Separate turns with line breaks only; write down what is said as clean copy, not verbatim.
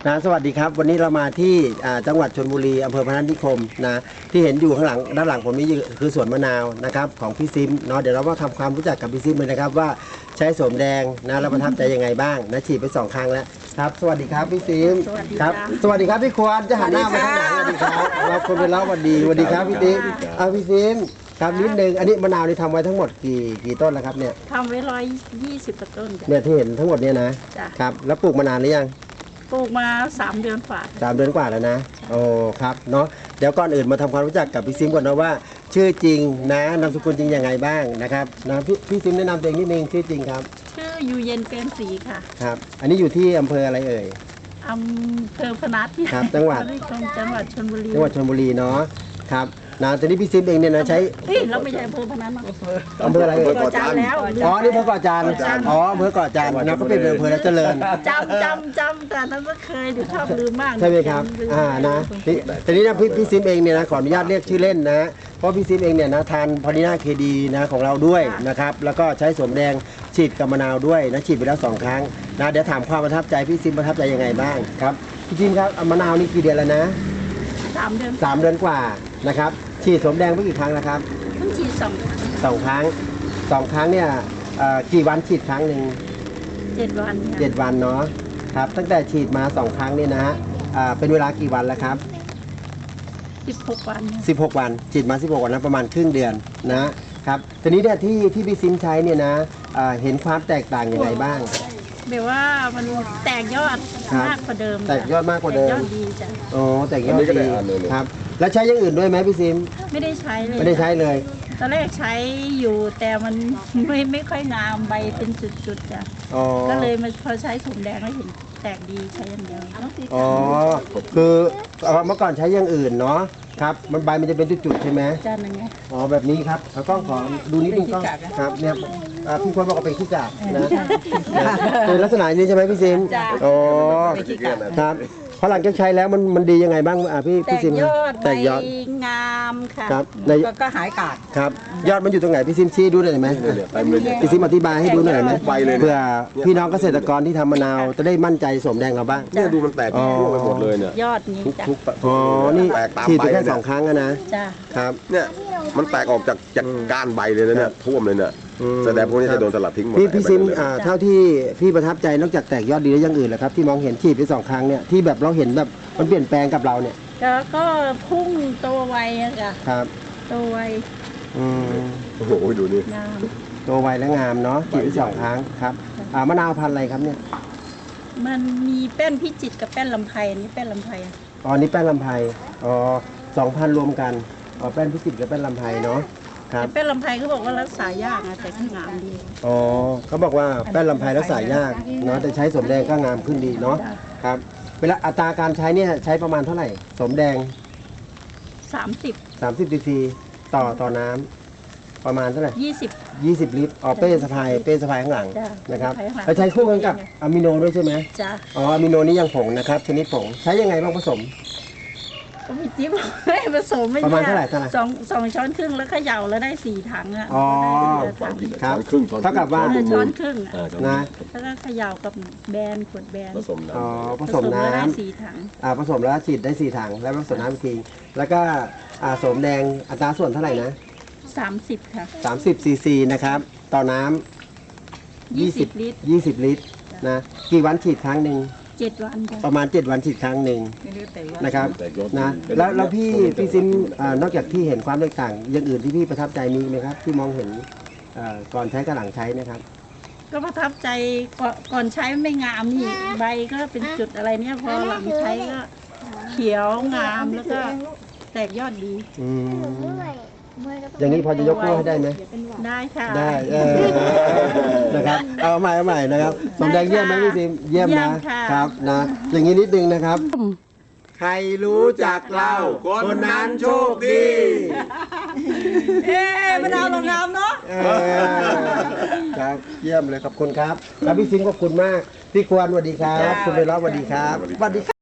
นะสวัสดีครับวันนี้เรามาที่จังหวัดชลบุรีอำเภอพนัสนิคมนะที่เห็นอยู่ข้างหลังด้านหลังผมนี่คือสวนมะนาวนะครับของพี่ซิมเนาะเดี๋ยวเรามาทำความรู้จักกับพี่ซิมเลยนะครับว่าใช้โสมแดงนะแล้วประทับใจยังไงบ้างนะฉีดไป2 ครั้งแล้วครับสวัสดีครับพี่ซิมครับสวัสดีครับพี่ควรจะหันหน้ามาทางไหนสวัสดีครับเราคนเป็นเล่าสวัสดีครับพี่ซิมพี่ซิมครับนิดนึงอันนี้มะนาวนี่ทำไว้ทั้งหมดกี่ต้นแล้วครับเนี่ย
ทำไว้120ต้น
เนี่ยที่เห็นทั้งหมดเนี่ยนะครับแล้วปลูกมานานหรือยัง
ปลูกมา3 เดือนกว่า
3 เดือนกว่าแล้วนะโอ้ครับเนาะเดี๋ยวก่อนอื่นมาทำความรู้จักกับพี่ซิมก่อนนะว่าชื่อจริงนะนามสกุลจริงยังไงบ้างนะครับนะพี่ซิมแนะนำตัวเองนิดนึงชื่อจริงครับ
ชื่ออยู่เย็นเปรมศรีค่ะ
ครับอันนี้อยู่ที่อำเภออะไรเอ่ย
อำเภอพนัส
ครับจังหวัด
ชลบุรี
เนาะครับนะตอนนี้พี่ซิมเองเนี่ยนะใช้
เราไม่ใช่อำเภอพนัส
อำเภออะไรเอ่ย
ก่อจานแล้ว
อ๋อนี่อำเภอก่อจานอำเภอก่อจานนะก็เป็นอำเภอแล้วเจริญ
จำแต่นั้นก็เคยหรือชอบลืมมาก
ใช่ไหมครับนะทีนี้นะพี่ซิมเองเนี่ยนะขออนุญาตเรียกชื่อเล่นนะเพราะพี่ซิมเองเนี่ยนะทานพอลิน่าเคดีนะของเราด้วยนะครับแล้วก็ใช้โสมแดงฉีดกับมะนาวด้วยนะฉีดไปแล้ว2 ครั้งนะเดี๋ยวถามความประทับใจพี่ซิมประทับใจยังไงบ้างครับพี่ซิมครับมะนาวนี่กี่เดือนแล้วนะ
3 เดือน
3 เดือนกว่านะครับฉีดโสมแดงไปกี่ครั้งนะครับ
เพิ่งฉีด
2 ครั้งเนี่ยกี่วันฉีดครั้งหนึ่ง
7 วัน
7 วันเนาะครับตั้งแต่ฉีดมา2 ครั้งนี่นะฮะเป็นเวลากี่วันแล้วครับ
16 วัน
16 วันฉีดมา16 วันแล้วประมาณครึ่งเดือนนะครับทีนี้เนี่ยที่พี่ซิมใช้เนี่ยนะเห็นความแตกต่างยังไงบ้าง
แบบว่ามันแตกยอดมากกว่าเดิม
แตกยอดมากกว่าเดิม
ยอดดีจ้ะ
โอ้แตกยอดดีครับแล้วใช้อย่างอื่นด้วยไหมพี่ซิม
ไม่ได้ใช้เลย
ไม่ได้ใช้เลย
ตอนแรกใช้อยู่แต่มันไม่ค่อยงามใบเป็นจุดๆจ้ะก็เลยมาพอใช้โสมแดงแล้วเห็นแตกดีใช้อย่างเดียว
อ๋อคือเมื่อก่อนใช้อย่างอื่นเนาะครับมันใบมันจะเป็นจุดๆใช่ไหม
จ้ะนั่นไง
อ๋อแบบนี้ครับเราต้องขอดูนิดนึงก็ครับเนี่ยพี่ควรบอกว่าเป็นขี้กากนะเป็นลักษณะนี้ใช่ไหมพี่ซิมอ๋อครับพอหลังจากใช้แล้วมันดียังไงบ้างพี่ซิม
แตกยอดงามค่ะ
ครับ
ก็หายกาด
ครับยอดมันอยู่ตรงไหนพี่ซิมชี้ดูหน่อยไหมพี่ซิมอธิบายให้ดูหน่อยไหมเพื่อพี่น้องเกษตรกรที่ทำมะนาวจะได้มั่นใจโสมแดงเราบ้าง
เนี่ยดูมันแตกร่วงไปหมดเลยเนี่ย
ยอดนี้จ้ะ
อ๋อนี่ฉีดไปแค่2 ครั้งนะ
จ้ะ
ครับ
เนี่ยมันแตกออกจากก้านใบเลยนะเนี่ยท่วมเลยเนี่ยแสดงพวกนี้จะโดนสลัดทิ้งหมด
พี่ซิมเท่าที่พี่ประทับใจนอกจากแตกยอดดีแล้วยังอื่นเหรอครับที่มองเห็นฉีดไป2 ครั้งเนี่ยที่แบบเราเห็นแบบมันเปลี่ยนแปลงกับเราเนี่ย
ก็พุ่งโตไวอะค่ะ
ครับ
โตไว
โอ้โหดูนี่
โตไวและงามเนาะฉีดไป2 ครั้งครับมะนาวพันธุ์อะไรครับเนี่ย
มันมีแป้นพิจิตรกับแป้นลำไพนี่แป้นลำไพ
นี่แป้นลำไพ2 พันรวมกันแป้นพิจิตรกับแป้นลำไพเนาะ
แป้นลำไพเขาบอกว่ารักษายากนะแต่ก็งามดี
เขาบอกว่าแป้นลำไพรักษายากเนาะแต่ใช้โสมแดงก็งามขึ้นดีเนาะครับเวลาอัตราการใช้เนี่ยใช้ประมาณเท่าไหร่โสมแดง30 ซีซีต่อน้ำประมาณเท่าไหร่20 ลิตรเป้สะพายข้างหลังนะครับแล้วใช้คู่กันกับอะมิโนด้วยใช่ไหม
จ้ะ
อะมิโนนี่ยังผงนะครับชนิดผงใช้ยังไงบ้างผสม
ก็มีจิ๊บไม่ผสมไม่
ประมาณเท่าไหร่
2 ช้อนครึ่งแล้วเขย่าแล้วได้4 ถังอ่ะ
ครับเท่ากับว่า
ช้อนครึ่ง
นะ
แล้วก็เขย่ากับแบนขวดแบน
ผสมน้
ำผสมน้ำ
4 ถัง
ผสมแล้วฉีดได้4 ถังแล้วผสมน้ำทีแล้วก็โสมแดงอัตราส่วนเท่าไหร่นะ
30ค่ะ
30 ซีซีนะครับต่อน้ำ20 ลิตรนะกี่วันฉีดครั้งหนึ่ง
7 วัน
ประมาณ7 วันฉีดครั้งหนึ่งนะครับนะแล้วพี่ซิมนอกจากที่เห็นความแตกต่างอย่างอื่นที่พี่ประทับใจมีไหมครับที่มองเห็นก่อนใช้กับหลังใช้นะครับ
ก็ประทับใจก่อนใช้ไม่งามนี่ใบก็เป็นจุดอะไรเนี่ยพอหลังใช้ก็เขียวงามแล้วก็แตกยอดดี
อย่างนี้พอจะยกโป้ให้ได้ไหม
ได้ค่ะ
ได้นะครับเอาใหม่นะครับโสมแดงเยี่ยมไหมพี่ซิมเยี่ยมนะครับนะอย่างนี้นิดนึงนะครับใครรู้จักเราคนนั้นโชคดี
มะนาวลงน้ำเนาะ
ครับเยี่ยมเลยขอบคุณครับแล้วพี่ซิมขอบคุณมากพี่ควรสวัสดีครับคุณเบลล์สวัสดีครับสวัสดี